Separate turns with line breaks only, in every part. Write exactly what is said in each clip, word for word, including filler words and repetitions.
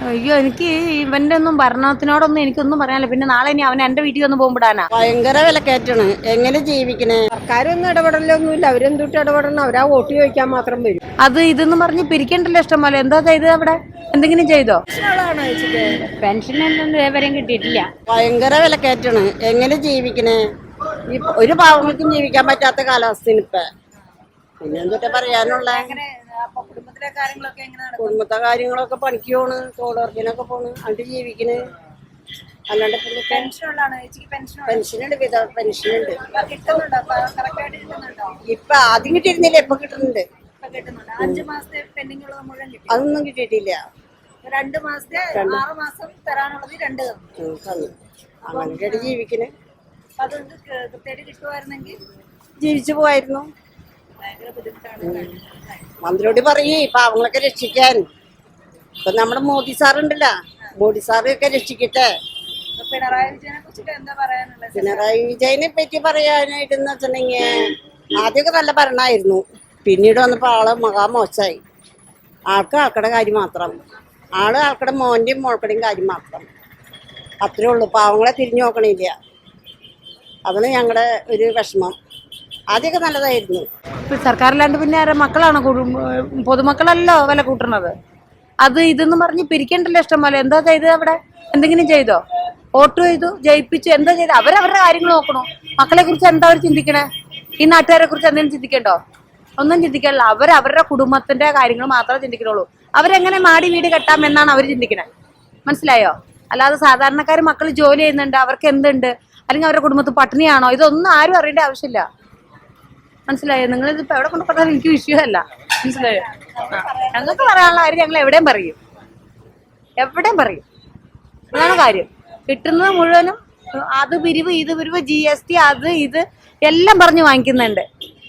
അയ്യോ എനിക്ക് ഇവന്റെ ഒന്നും ഭരണത്തിനോടൊന്നും എനിക്കൊന്നും പറയാനില്ല. പിന്നെ നാളെ ഇനി അവൻ എന്റെ വീട്ടിൽ ഒന്ന് പോകുമ്പോടാനാ.
ഭയങ്കര വിലക്കയറ്റാണ്. എങ്ങനെ ജീവിക്കണേ? സർക്കാരൊന്നും ഇടപെടലൊന്നുമില്ല. അവരെന്തൊട്ട് ഇടപെടണം? അവരാ വോട്ട് ചോദിക്കാൻ മാത്രം വരും.
അത് ഇതെന്ന് പറഞ്ഞ് പിരിക്കണ്ടല്ലോ ഇഷ്ടം പോലെ. എന്താ ചെയ്തത് അവിടെ? എന്തെങ്കിലും ചെയ്തോ?
പെൻഷൻ ഇതുവരെയും കിട്ടിയിട്ടില്ല.
ഭയങ്കര വിലക്കയറ്റാണ്. എങ്ങനെ ജീവിക്കണേ? ഈ ഒരു പാവങ്ങൾക്കും ജീവിക്കാൻ പറ്റാത്ത കാലാവസ്ഥയാണ് ഇപ്പൊ. പിന്നെ എന്തൊക്കെ പറയാനുള്ള? കുടുംബത്തെ കാര്യങ്ങളൊക്കെ പണിക്ക് പോണ്, തൊഴിലുറപ്പിനൊക്കെ പോണ്, അത് ജീവിക്കണ്. അല്ലാണ്ട് പെൻഷനുണ്ട്, വിധ പെൻഷനുണ്ട്. ഇപ്പൊ ആദ്യം കിട്ടിയിരുന്നില്ല, ഇപ്പൊ കിട്ടുന്നുണ്ട്. അതൊന്നും കിട്ടിയിട്ടില്ല.
രണ്ട് മാസത്തെ ആറ് മാസം തരാനുള്ളത് രണ്ട്
തന്നു. അങ്ങനെയൊക്കെ ജീവിക്കണ്.
അതുകൊണ്ട് കൃത്യമായിട്ട് കിട്ടുമായിരുന്നെങ്കിൽ
ജീവിച്ചു പോവായിരുന്നു.
ഭയങ്കര ബുദ്ധിമുട്ടാണ്.
മന്ത്രിയോട് പറയേ പാവങ്ങളൊക്കെ രക്ഷിക്കാൻ. ഇപ്പൊ നമ്മുടെ മോദി സാറുണ്ടല്ലോ, മോദി സാറൊക്കെ രക്ഷിക്കട്ടെ.
പിണറായി വിജയനെ കുറിച്ചിട്ട് എന്താ പറയാനുള്ളത്?
പിണറായി വിജയനെ പറ്റി പറയാനായിട്ടെന്ന് വെച്ചിട്ടുണ്ടെങ്കിൽ ആദ്യമൊക്കെ നല്ല ഭരണമായിരുന്നു. പിന്നീട് വന്നപ്പോൾ ആള് മഹാമോശമായി. ആൾക്ക് ആൾക്കടെ കാര്യം മാത്രം, ആള് ആൾക്കടെ മോന്റെയും മോൾക്കടെയും കാര്യം മാത്രം. അത്രേ ഉള്ളൂ. പാവങ്ങളെ തിരിഞ്ഞു നോക്കണില്ല. അതാണ് ഞങ്ങളുടെ ഒരു വിഷമം. ആദ്യമൊക്കെ നല്ലതായിരുന്നു.
സർക്കാരിലാണ്ട് പിന്നെ ആരെ മക്കളാണ് പൊതുമക്കളല്ലോ വില കൂട്ടണത്. അത് ഇതെന്ന് പറഞ്ഞ് പിരിക്കണ്ടല്ലോ ഇഷ്ടം പോലെ. എന്താ ചെയ്തത് അവിടെ? എന്തെങ്കിലും ചെയ്തോ? വോട്ട് ചെയ്തു, ജയിപ്പിച്ചു, എന്താ ചെയ്ത്? അവരവരുടെ കാര്യങ്ങൾ നോക്കണോ? മക്കളെ കുറിച്ച് എന്താ അവർ ചിന്തിക്കണേ? ഈ നാട്ടുകാരെ കുറിച്ച് എന്തെങ്കിലും ചിന്തിക്കണ്ടോ? ഒന്നും ചിന്തിക്കാനില്ല. അവർ അവരുടെ കുടുംബത്തിന്റെ കാര്യങ്ങൾ മാത്രമേ ചിന്തിക്കുന്നുള്ളൂ. അവരെങ്ങനെ മാടി വീട് കെട്ടാം എന്നാണ് അവർ ചിന്തിക്കണേ. മനസ്സിലായോ? അല്ലാതെ സാധാരണക്കാർ മക്കൾ ജോലി ചെയ്യുന്നുണ്ട്, അവർക്ക് എന്തുണ്ട്, അല്ലെങ്കിൽ അവരുടെ കുടുംബത്തിൽ പട്ടിണിയാണോ, ഇതൊന്നും ആരും അറിയേണ്ട ആവശ്യമില്ല. മനസ്സിലായോ? നിങ്ങൾ ഇതിപ്പോ എവിടെ കൊണ്ട് പറഞ്ഞാലും എനിക്ക് വിഷയമല്ല. മനസ്സിലായോ? ഞങ്ങൾക്ക് പറയാനുള്ള കാര്യം ഞങ്ങൾ എവിടെയും പറയും, എവിടെയും പറയും. അതാണ് കാര്യം. കിട്ടുന്നത് മുഴുവനും അത് പിരിവ്, ഇത് പിരിവ്, ജി എസ് ടി, അത് ഇത് എല്ലാം പറഞ്ഞ് വാങ്ങിക്കുന്നുണ്ട്.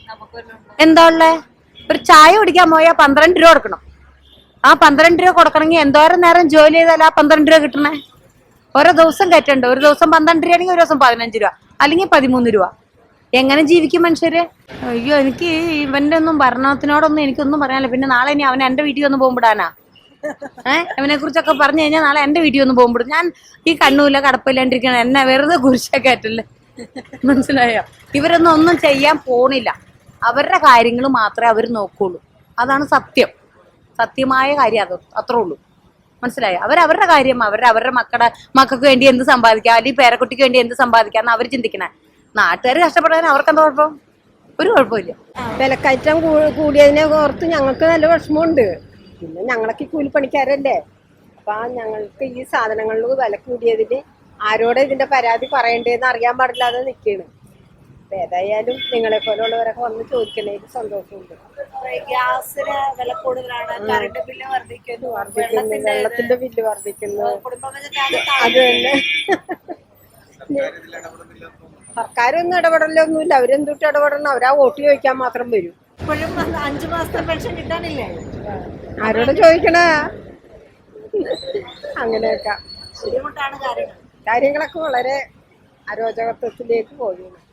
എന്താ ഉള്ളേ? ഒരു ചായ കുടിക്കാൻ പോയാൽ പന്ത്രണ്ട് രൂപ കൊടുക്കണം. ആ പന്ത്രണ്ട് രൂപ കൊടുക്കണമെങ്കിൽ എന്തോരം നേരം ജോലി ചെയ്താൽ ആ പന്ത്രണ്ട് രൂപ കിട്ടണേ? ഓരോ ദിവസം കയറ്റണ്ട്. ഒരു ദിവസം പന്ത്രണ്ട് രൂപ ആണെങ്കിൽ ഒരു ദിവസം പതിനഞ്ച് രൂപ അല്ലെങ്കിൽ പതിമൂന്ന് രൂപ. എങ്ങനെ ജീവിക്കും മനുഷ്യര്? അയ്യോ എനിക്ക് ഇവന്റെ ഒന്നും ഭരണത്തിനോടൊന്നും എനിക്കൊന്നും പറയാനില്ല. പിന്നെ നാളെ ഇനി അവൻ എന്റെ വീട്ടിൽ ഒന്ന് പോകുമ്പോടാനാ. ഏഹ് അവനെ കുറിച്ചൊക്കെ പറഞ്ഞു കഴിഞ്ഞാൽ നാളെ എന്റെ വീട്ടിൽ ഒന്ന് പോകുമ്പോഴും ഞാൻ ഈ കണ്ണൂല കടപ്പില്ലാണ്ടിരിക്കണ എന്നെ വെറുതെ കുരിശൊക്കെ ആറ്റല്ലേ. മനസ്സിലായോ? ഇവരൊന്നും ഒന്നും ചെയ്യാൻ പോണില്ല. അവരുടെ കാര്യങ്ങൾ മാത്രമേ അവർ നോക്കുള്ളൂ. അതാണ് സത്യം, സത്യമായ കാര്യം. അത് അത്രേ ഉള്ളൂ. മനസ്സിലായോ? അവരവരുടെ കാര്യം, അവരുടെ അവരുടെ മക്കളുടെ മക്കൾക്ക് വേണ്ടി എന്ത് സമ്പാദിക്കാം, അല്ലെങ്കിൽ പേരക്കുട്ടിക്ക് വേണ്ടി എന്ത് സമ്പാദിക്കാന്ന് അവർ ചിന്തിക്കണേ. നാട്ടുകാർ കഷ്ടപ്പെടാൻ അവർക്ക് എന്താ കുഴപ്പം? ഒരു കുഴപ്പമില്ല.
വിലക്കയറ്റം കൂടിയതിനെ ഓർത്ത് ഞങ്ങൾക്ക് നല്ല വിഷമമുണ്ട്. പിന്നെ ഞങ്ങളൊക്കെ കൂലിപ്പണിക്കാരല്ലേ. അപ്പൊ ഞങ്ങൾക്ക് ഈ സാധനങ്ങളിൽ വില കൂടിയതിന് ആരോടെ ഇതിന്റെ പരാതി പറയണ്ടേന്ന് അറിയാൻ പാടില്ലാതെ നിൽക്കുകയാണ്. അപ്പൊ ഏതായാലും നിങ്ങളെ പോലുള്ളവരൊക്കെ വന്ന് ചോദിക്കണേല് സന്തോഷമുണ്ട്.
ഗ്യാസിന് വില കൂടുതലാണ്, കറണ്ട് ബില്ല് വർദ്ധിക്കുന്നു,
വെള്ളത്തിന്റെ ബില്ല് വർദ്ധിക്കുന്നു. അത് തന്നെ. സർക്കാരൊന്നും ഇടപെടലൊന്നുമില്ല. അവരെന്തൊട്ട് ഇടപെടണം? അവരാ വോട്ട് ചോദിക്കാൻ മാത്രം വരും.
ഇപ്പോഴും അഞ്ചു മാസത്തെ പെൻഷൻ കിട്ടാനില്ലേ?
ആരോട് ചോദിക്കണ? അങ്ങനെയൊക്കെ
ബുദ്ധിമുട്ടാണ് കാര്യങ്ങൾ.
കാര്യങ്ങളൊക്കെ വളരെ അരോചകത്വത്തിലേക്ക് പോകുന്നു.